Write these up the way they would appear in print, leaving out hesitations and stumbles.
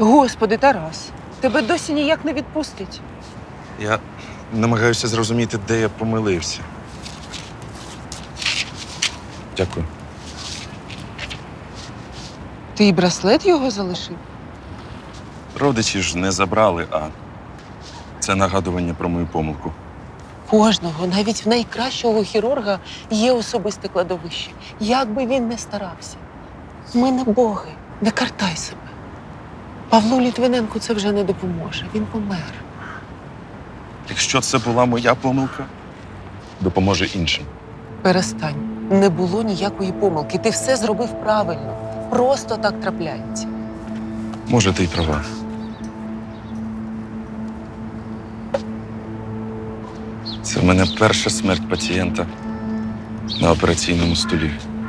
Господи, Тарас, тебе досі ніяк не відпустить. Я намагаюся зрозуміти, де я помилився. Дякую. Ти і браслет його залишив? Родичі ж не забрали, а це нагадування про мою помилку. Кожного, навіть в найкращого хірурга, є особисте кладовище. Як би він не старався. Ми не боги, не картай себе. Павлу Літвиненку це вже не допоможе, він помер. Якщо це була моя помилка, допоможе іншим. Перестань, не було ніякої помилки, ти все зробив правильно. Просто так трапляється. Може, ти й права. Це в мене перша смерть пацієнта на операційному столі.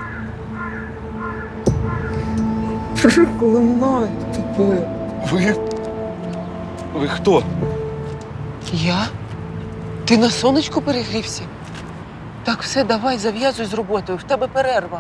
Проклинаю тебе. Ви хто? Я? Ти на сонечку перегрівся? Так, все, давай, зав'язуй з роботою, в тебе перерва.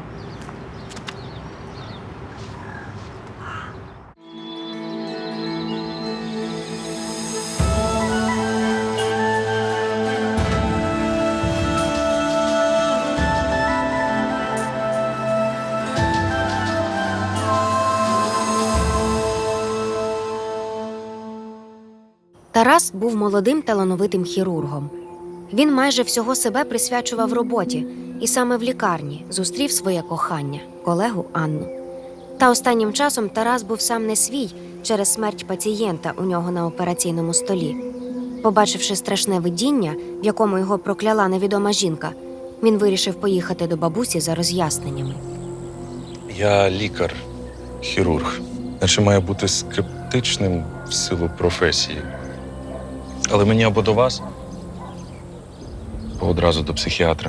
Тарас був молодим талановитим хірургом. Він майже всього себе присвячував роботі і саме в лікарні зустрів своє кохання – колегу Анну. Та останнім часом Тарас був сам не свій через смерть пацієнта у нього на операційному столі. Побачивши страшне видіння, в якому його прокляла невідома жінка, він вирішив поїхати до бабусі за роз'ясненнями. Я лікар, хірург. Наче має бути скептичним в силу професії. Але мені або до вас, або одразу до психіатра.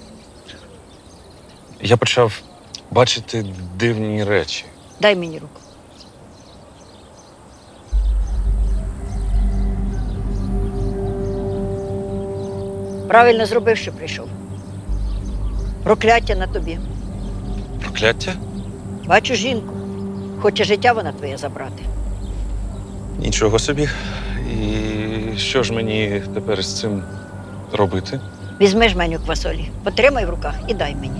Я почав бачити дивні речі. Дай мені руку. Правильно зробив, що прийшов. Прокляття на тобі. Прокляття? Бачу жінку. Хоче життя вона твоє забрати. Нічого собі. І що ж мені тепер з цим робити? Візьми жменю квасолі, потримай в руках і дай мені.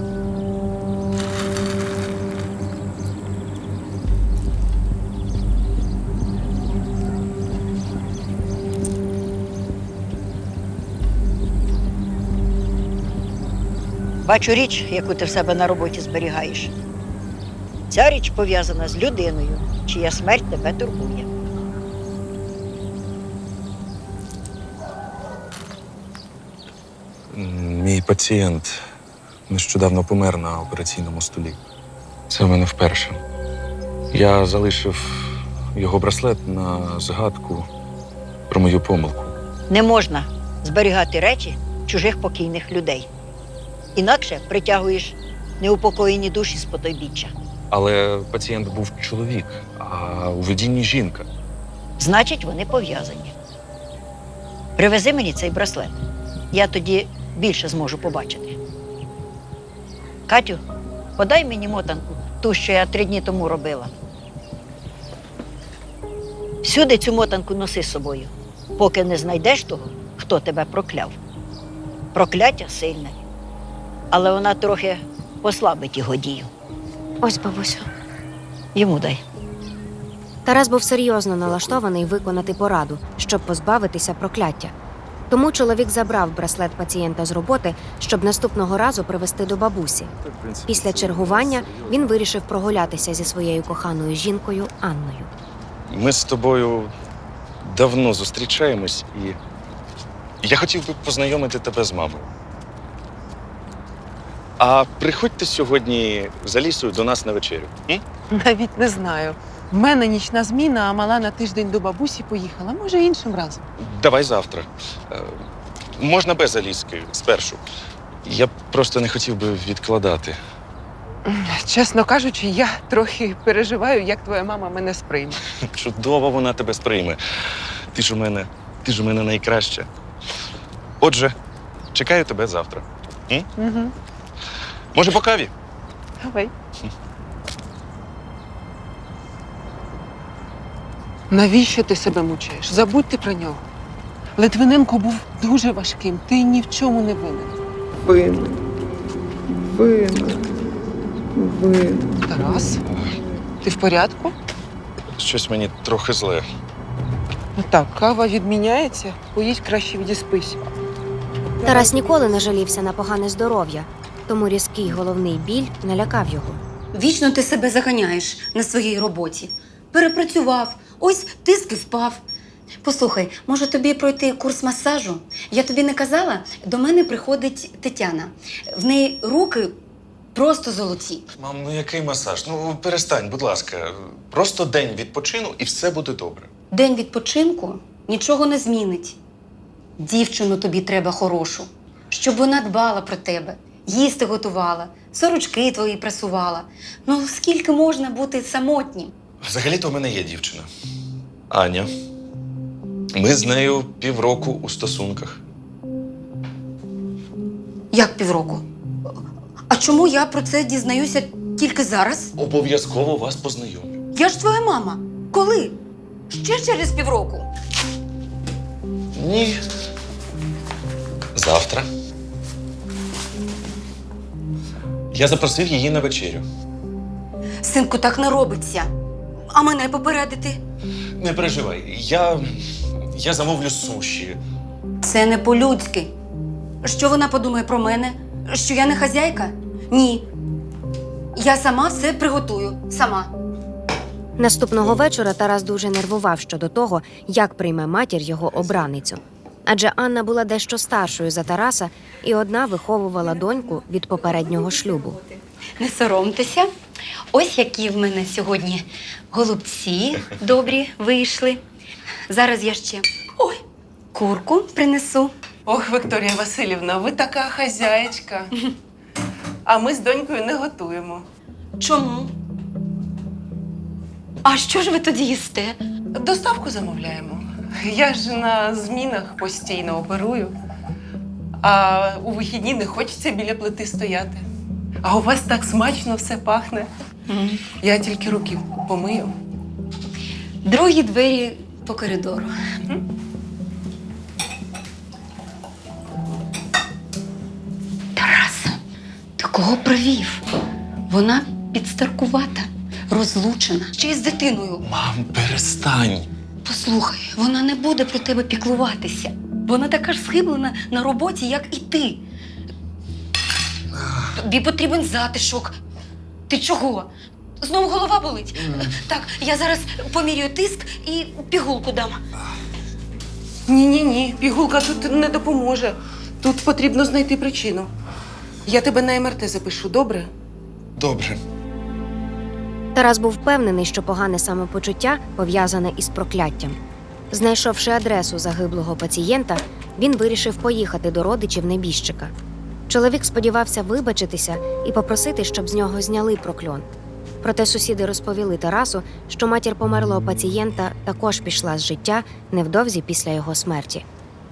Бачу річ, яку ти в себе на роботі зберігаєш. Ця річ пов'язана з людиною, чия смерть тебе турбує. Мій пацієнт нещодавно помер на операційному столі. Це в мене вперше. Я залишив його браслет на згадку про мою помилку. Не можна зберігати речі чужих покійних людей. Інакше притягуєш неупокоєні душі з потойбіччя. Але пацієнт був чоловік, а у видінні жінка. Значить, вони пов'язані. Привези мені цей браслет. Я тоді більше зможу побачити. Катю, подай мені мотанку, ту, що я 3 дні тому робила. Всюди цю мотанку носи з собою, поки не знайдеш того, хто тебе прокляв. Прокляття сильне, але вона трохи послабить його дію. Ось, бабусю. Йому дай. Тарас був серйозно налаштований виконати пораду, щоб позбавитися прокляття. Тому чоловік забрав браслет пацієнта з роботи, щоб наступного разу привезти до бабусі. Після чергування він вирішив прогулятися зі своєю коханою жінкою Анною. Ми з тобою давно зустрічаємось, і я хотів би познайомити тебе з мамою. А приходьте сьогодні за лісою до нас на вечерю. М? Навіть не знаю. В мене нічна зміна, а мала на тиждень до бабусі поїхала. Може, іншим разом. Давай завтра. Можна без Аліски, спершу. Я просто не хотів би відкладати. Чесно кажучи, я трохи переживаю, як твоя мама мене сприйме. Чудово вона тебе сприйме. Ти ж у мене найкраща. Отже, чекаю тебе завтра. М? Угу. Може, по каві? Давай. Навіщо ти себе мучаєш? Забудьте про нього. Литвиненко був дуже важким. Ти ні в чому не винен. Винен. Тарас, ти в порядку? Щось мені трохи зле. Ну так, кава відміняється, поїдь краще відіспись. Тарас ніколи не жалівся на погане здоров'я, тому різкий головний біль налякав його. Вічно ти себе заганяєш на своїй роботі. Перепрацював, ось тиск і впав. Послухай, може тобі пройти курс масажу? Я тобі не казала, до мене приходить Тетяна. В неї руки просто золоті. Мам, ну який масаж? Ну перестань, будь ласка. Просто день відпочину і все буде добре. День відпочинку нічого не змінить. Дівчину тобі треба хорошу, щоб вона дбала про тебе, їсти готувала, сорочки твої прасувала. Ну, скільки можна бути самотнім? Взагалі-то у мене є дівчина. Аня. Ми з нею півроку у стосунках. Як півроку? А чому я про це дізнаюся тільки зараз? Обов'язково вас познайомлю. Я ж твоя мама. Коли? Ще через півроку. Ні. Завтра. Я запросив її на вечерю. Синку, так не робиться. А мене попередити? Не переживай, я замовлю суші. Це не по-людськи. Що вона подумає про мене? Що я не хазяйка? Ні. Я сама все приготую. Сама. Наступного вечора Тарас дуже нервував щодо того, як прийме матір його обраницю. Адже Анна була дещо старшою за Тараса і одна виховувала доньку від попереднього шлюбу. Не соромтеся. Ось які в мене сьогодні голубці добрі вийшли. Зараз я ще курку принесу. Ох, Вікторія Васильівна, ви така хазяєчка. А ми з донькою не готуємо. Чому? А що ж ви тоді їсте? Доставку замовляємо. Я ж на змінах постійно оперую, а у вихідні не хочеться біля плити стояти. А у вас так смачно все пахне. Я тільки руки помию. Другі двері по коридору. Тарас, ти кого привів? Вона підстаркувата, розлучена, ще й з дитиною. Мам, перестань. Послухай, вона не буде про тебе піклуватися. Вона така ж схиблена на роботі, як і ти. Тобі потрібен затишок. Ти чого? Знову голова болить? Так, я зараз поміряю тиск і пігулку дам. Ні, пігулка тут не допоможе. Тут потрібно знайти причину. Я тебе на МРТ запишу, добре? Добре. Тарас був впевнений, що погане самопочуття пов'язане із прокляттям. Знайшовши адресу загиблого пацієнта, він вирішив поїхати до родичів небіжчика. Чоловік сподівався вибачитися і попросити, щоб з нього зняли прокльон. Проте сусіди розповіли Тарасу, що матір померлого пацієнта також пішла з життя невдовзі після його смерті.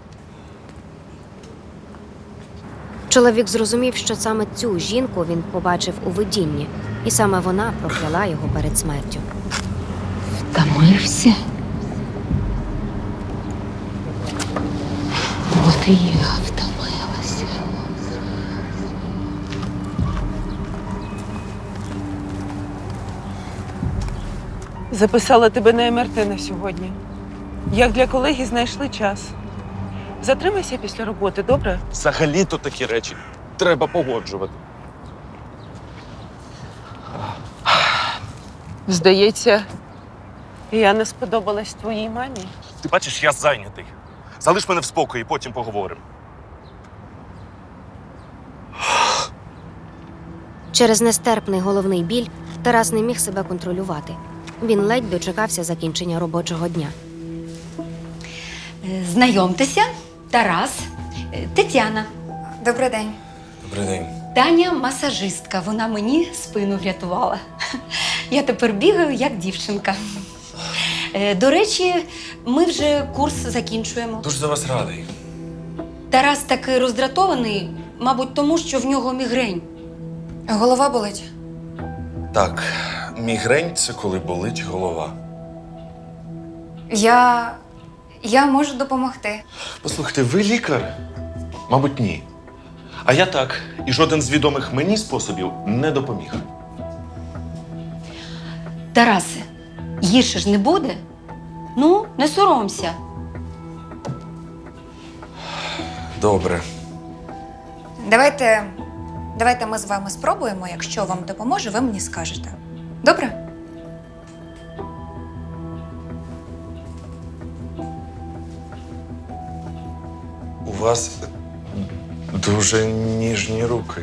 Чоловік зрозумів, що саме цю жінку він побачив у видінні, і саме вона прокляла його перед смертю. Втомився? От і я втомилася. Записала тебе на МРТ на сьогодні. Як для колеги знайшли час. Затримайся після роботи, добре? Взагалі-то такі речі треба погоджувати. Здається, я не сподобалась твоїй мамі. Ти бачиш, я зайнятий. Залиш мене в спокої, потім поговоримо. Через нестерпний головний біль Тарас не міг себе контролювати. Він ледь дочекався закінчення робочого дня. Знайомтеся, Тарас, Тетяна. Добрий день. Добрий день. Таня масажистка, вона мені спину врятувала. Я тепер бігаю, як дівчинка. До речі, ми вже курс закінчуємо. Дуже за вас радий. Тарас такий роздратований, мабуть, тому, що в нього мігрень. Голова болить? Так, мігрень – це коли болить голова. Я можу допомогти. Послухайте, ви лікар? Мабуть, ні. А я так, і жоден з відомих мені способів не допоміг. Тарасе, гірше ж не буде? Ну, не соромся. Добре. Давайте ми з вами спробуємо. Якщо вам допоможе, ви мені скажете. Добре? У вас дуже ніжні руки.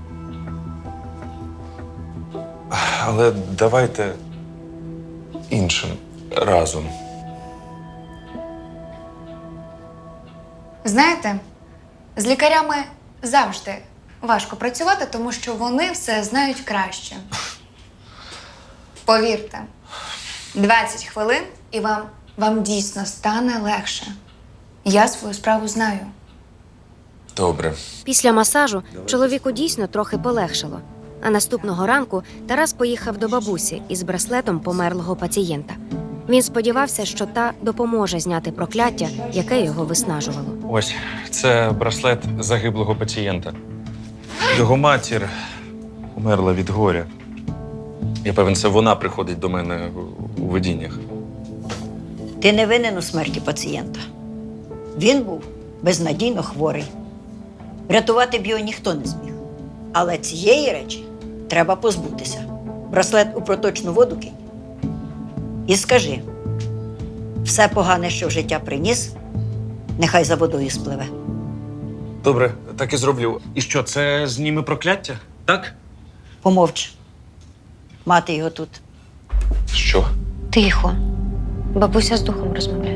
Але давайте іншим разом. Знаєте, з лікарями завжди важко працювати, тому що вони все знають краще. Повірте, 20 хвилин і вам дійсно стане легше. Я свою справу знаю. Добре. Після масажу чоловіку дійсно трохи полегшало. А наступного ранку Тарас поїхав до бабусі із браслетом померлого пацієнта. Він сподівався, що та допоможе зняти прокляття, яке його виснажувало. Ось це браслет загиблого пацієнта. Його матір умерла від горя. Я певен, це вона приходить до мене у видіннях. Ти не винен у смерті пацієнта. Він був безнадійно хворий. Врятувати б його ніхто не зміг. Але цієї речі треба позбутися. Браслет у проточну воду кинь. І скажи, все погане, що в життя приніс, нехай за водою спливе. Добре, так і зроблю. І що, це зніме прокляття? Так? Помовч. Мати його тут. Що? Тихо. Бабуся з духом розмовляє.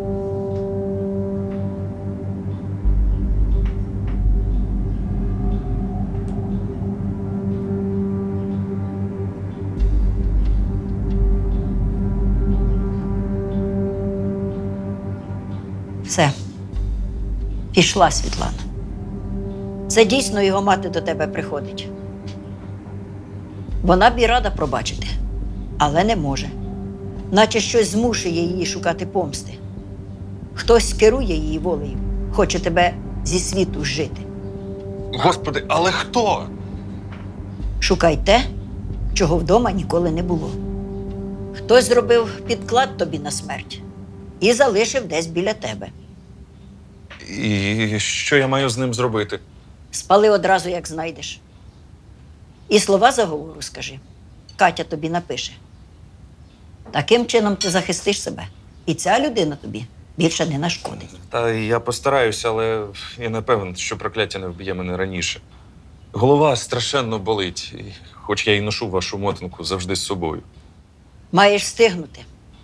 Все. Пішла Світлана. Це дійсно його мати до тебе приходить. Вона б і рада пробачити, але не може. Наче щось змушує її шукати помсти. Хтось керує її волею, хоче тебе зі світу зжити. Господи, але хто? Шукай те, чого вдома ніколи не було. Хтось зробив підклад тобі на смерть і залишив десь біля тебе. І що я маю з ним зробити? Спали одразу, як знайдеш. І слова заговору скажи. Катя тобі напише. Таким чином ти захистиш себе. І ця людина тобі більше не нашкодить. Та я постараюся, але я не певен, що прокляття не вб'є мене раніше. Голова страшенно болить, і хоч я й ношу вашу мотанку завжди з собою. Маєш встигнути.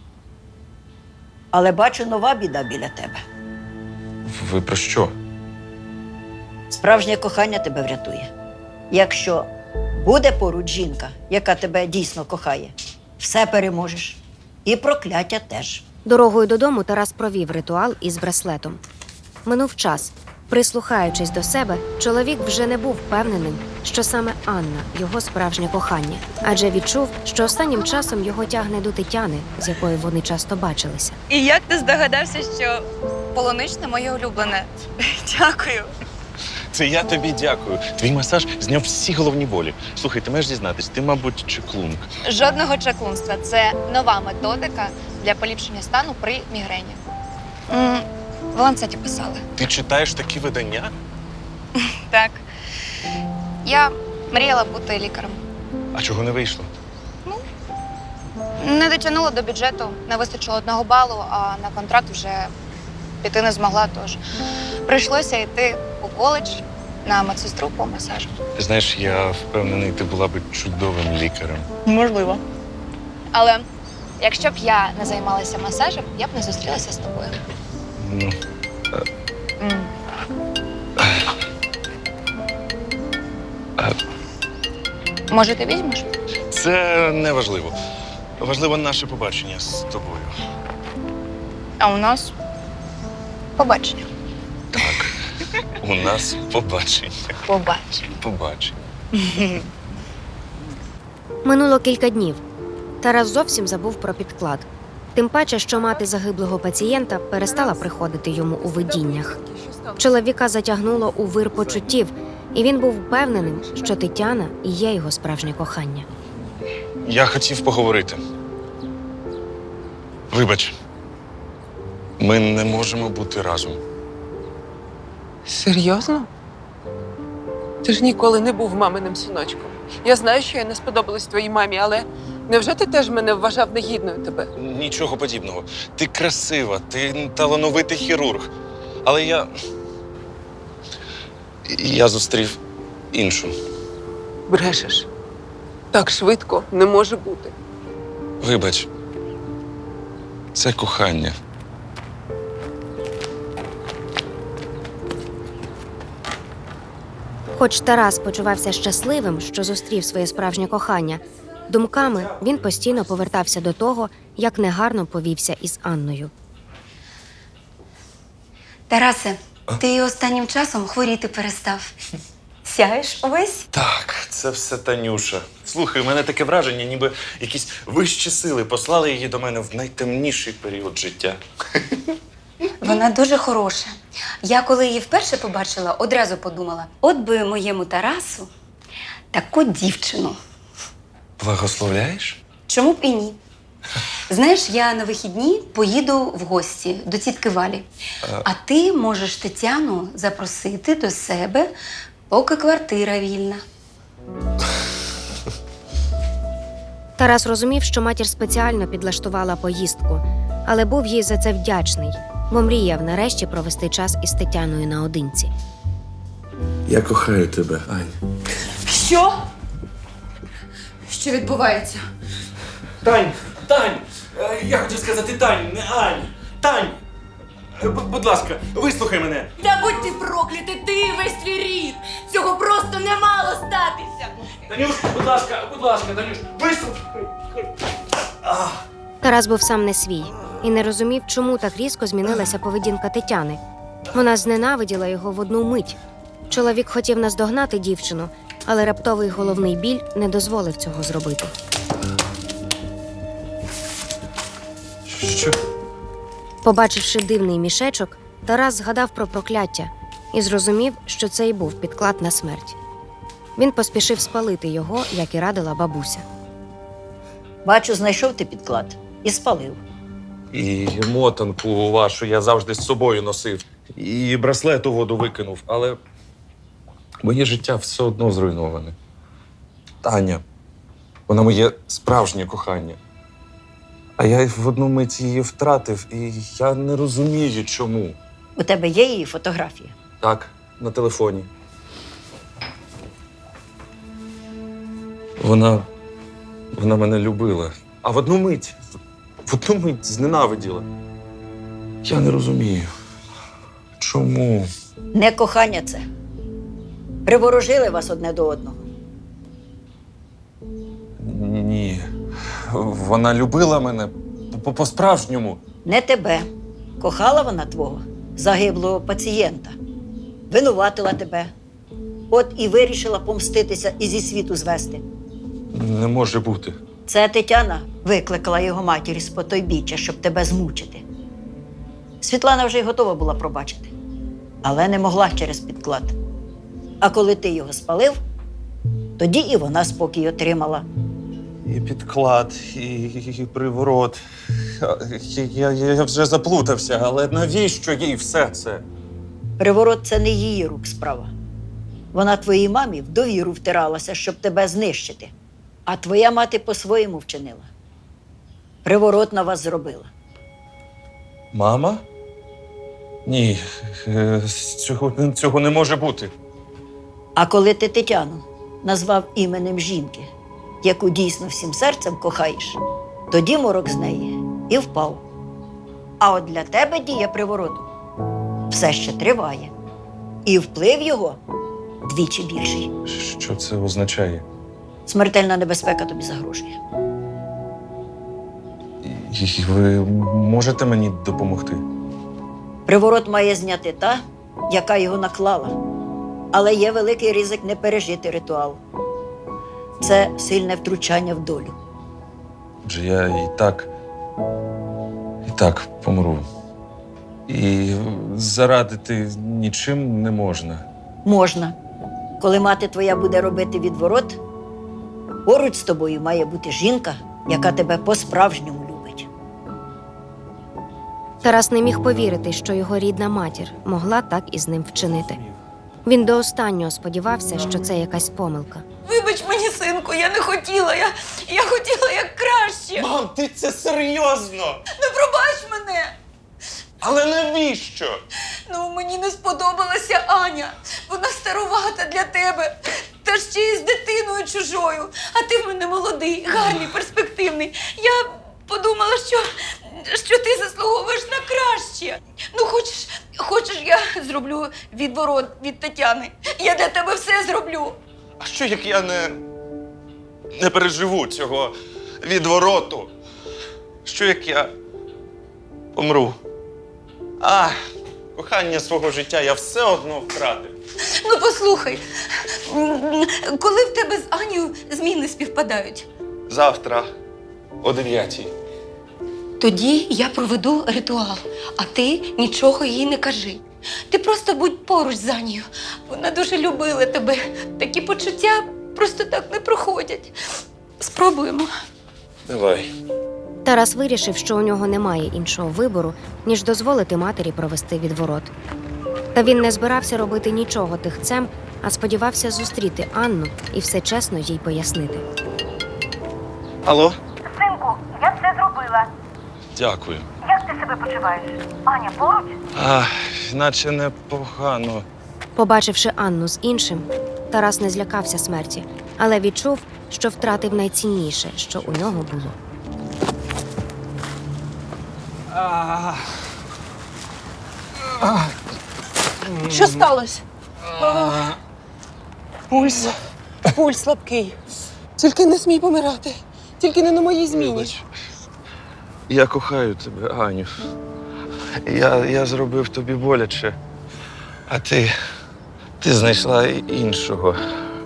Але бачу, нова біда біля тебе. Ви про що? Справжнє кохання тебе врятує. Якщо буде поруч жінка, яка тебе дійсно кохає, все переможеш. І прокляття теж. Дорогою додому Тарас провів ритуал із браслетом. Минув час. Прислухаючись до себе, чоловік вже не був впевненим, що саме Анна – його справжнє кохання, адже відчув, що останнім часом його тягне до Тетяни, з якою вони часто бачилися. І як ти здогадався, що полуничне моє улюблене? Дякую. Це я тобі дякую. Твій масаж зняв всі головні болі. Слухай, ти маєш дізнатись, ти, мабуть, чаклунка. Жодного чаклунства. Це нова методика для поліпшення стану при мігрені. В ланцеті писали. Ти читаєш такі видання? Так. Я мріяла бути лікарем. А чого не вийшло? Не дотягнула до бюджету, не вистачило 1 балу, а на контракт вже піти не змогла, тож прийшлося йти у коледж на медсестру по масажу. Ти знаєш, я впевнений, ти була б чудовим лікарем. Можливо. Але якщо б я не займалася масажем, я б не зустрілася з тобою. Ну, Може, ти візьмеш? це не важливо. Важливо наше побачення з тобою. А у нас побачення. Так, у нас побачення. Побачення. Побачення. Минуло кілька днів. Тарас зовсім забув про підклад. Тим паче, що мати загиблого пацієнта перестала приходити йому у видіннях. Чоловіка затягнуло у вир почуттів, і він був впевненим, що Тетяна і є його справжнє кохання. Я хотів поговорити. Вибач, ми не можемо бути разом. Серйозно? Ти ж ніколи не був маминим синочком. Я знаю, що я не сподобалась твоїй мамі, але невже ти теж мене вважав негідною тебе? Нічого подібного. Ти красива, ти талановитий хірург. Але я зустрів іншу. Брешеш. Так швидко не може бути. Вибач, це кохання. Хоч Тарас почувався щасливим, що зустрів своє справжнє кохання, думками він постійно повертався до того, як негарно повівся із Анною. Тарасе, ти останнім часом хворіти перестав. Сяєш увесь? Так, це все Танюша. Слухай, у мене таке враження, ніби якісь вищі сили послали її до мене в найтемніший період життя. Вона дуже хороша. Я коли її вперше побачила, одразу подумала, от би моєму Тарасу таку дівчину. Благословляєш? Чому б і ні? Знаєш, я на вихідні поїду в гості до тітки Валі. А ти можеш Тетяну запросити до себе, поки квартира вільна. Тарас розумів, що матір спеціально підлаштувала поїздку, але був їй за це вдячний, бо мріяв нарешті провести час із Тетяною наодинці. Я кохаю тебе, Ань. Що? Що відбувається? Тань! Я хотів сказати Тань, не Ань! Тань! Будь ласка, вислухай мене. Та будь ти проклятий, ти і весь твій рід! Цього просто не мало статися! Танюш, будь ласка, Танюш, вислухай! Тарас був сам не свій і не розумів, чому так різко змінилася поведінка Тетяни. Вона зненавиділа його в одну мить. Чоловік хотів наздогнати дівчину, але раптовий головний біль не дозволив цього зробити. Що? Побачивши дивний мішечок, Тарас згадав про прокляття і зрозумів, що це й був підклад на смерть. Він поспішив спалити його, як і радила бабуся. Бачу, знайшов ти підклад і спалив. І мотанку вашу я завжди з собою носив. І браслет у воду викинув, але моє життя все одно зруйноване. Таня, вона моє справжнє кохання. А я в одну мить її втратив, і я не розумію, чому. У тебе є її фотографія? Так, на телефоні. Вона мене любила. А в одну мить зненавиділа. Я не розумію. Чому? Не кохання це. Приворожили вас одне до одного. Ні. Вона любила мене по-справжньому. Не тебе. Кохала вона твого загиблого пацієнта. Винуватила тебе. От і вирішила помститися і зі світу звести. Не може бути. Це Тетяна викликала його матір з потойбіччя, щоб тебе змучити. Світлана вже й готова була пробачити, але не могла через підклад. А коли ти його спалив, тоді і вона спокій отримала. І підклад, і приворот. Я вже заплутався, але навіщо їй все це? Приворот – це не її рук справа. Вона твоїй мамі в довіру втиралася, щоб тебе знищити. А твоя мати по-своєму вчинила. Приворот на вас зробила. Мама? Ні, цього не може бути. А коли ти Тетяну назвав іменем жінки, яку дійсно всім серцем кохаєш, тоді морок з неї і впав. А от для тебе дія привороту все ще триває. І вплив його двічі більший. Що це означає? Смертельна небезпека тобі загрожує. І ви можете мені допомогти? Приворот має зняти та, яка його наклала. Але є великий ризик не пережити ритуал. Це сильне втручання в долю. Адже я і так Так, помру. І зарадити нічим не можна. Можна. Коли мати твоя буде робити відворот, поруч з тобою має бути жінка, яка тебе по-справжньому любить. Тарас не міг повірити, що його рідна матір могла так із ним вчинити. Він до останнього сподівався, що це якась помилка. Вибач мені, синку, я не хотіла. Я хотіла як краще. Мам, ти це серйозно? Не пробач мене. Але навіщо? Ну, мені не сподобалася Аня. Вона старувата для тебе. Та ще й з дитиною чужою. А ти в мене молодий, гарний, перспективний. Я подумала, що ти заслуговуєш на краще. Ну, хочеш, я зроблю відворот від Тетяни. Я для тебе все зроблю. А що, як я не переживу цього відвороту? Що, як я помру? Кохання свого життя я все одно втратив. Ну, послухай, коли в тебе з Анією зміни співпадають? Завтра о 9:00. Тоді я проведу ритуал, а ти нічого їй не кажи. Ти просто будь поруч з Анією. Вона дуже любила тебе. Такі почуття просто так не проходять. Спробуємо. Давай. Тарас вирішив, що у нього немає іншого вибору, ніж дозволити матері провести відворот. Та він не збирався робити нічого тихцем, а сподівався зустріти Анну і все чесно їй пояснити. Алло? Синку, я все зробила. Дякую. Як ти себе почуваєш? Аня поруч? Наче непогано. Побачивши Анну з іншим, Тарас не злякався смерті, але відчув, що втратив найцінніше, що у нього було. Що сталося? Пульс слабкий. Тільки не смій помирати. Тільки не на моїй зміні. Вибач. Я кохаю тебе, Аню. Я зробив тобі боляче, а ти знайшла іншого.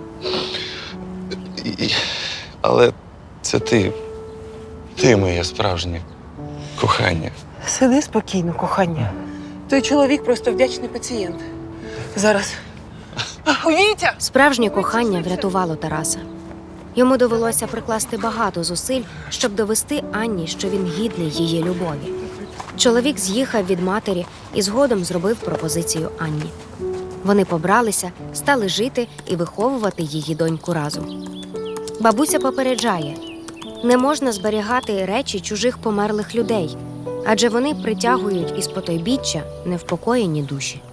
Але це ти моє справжнє кохання. Сиди спокійно, кохання. Той чоловік просто вдячний пацієнт. Зараз. Вітя! Справжнє кохання врятувало Тараса. Йому довелося прикласти багато зусиль, щоб довести Анні, що він гідний її любові. Чоловік з'їхав від матері і згодом зробив пропозицію Анні. Вони побралися, стали жити і виховувати її доньку разом. Бабуся попереджає: не можна зберігати речі чужих померлих людей, адже вони притягують із потойбіччя невпокоєні душі.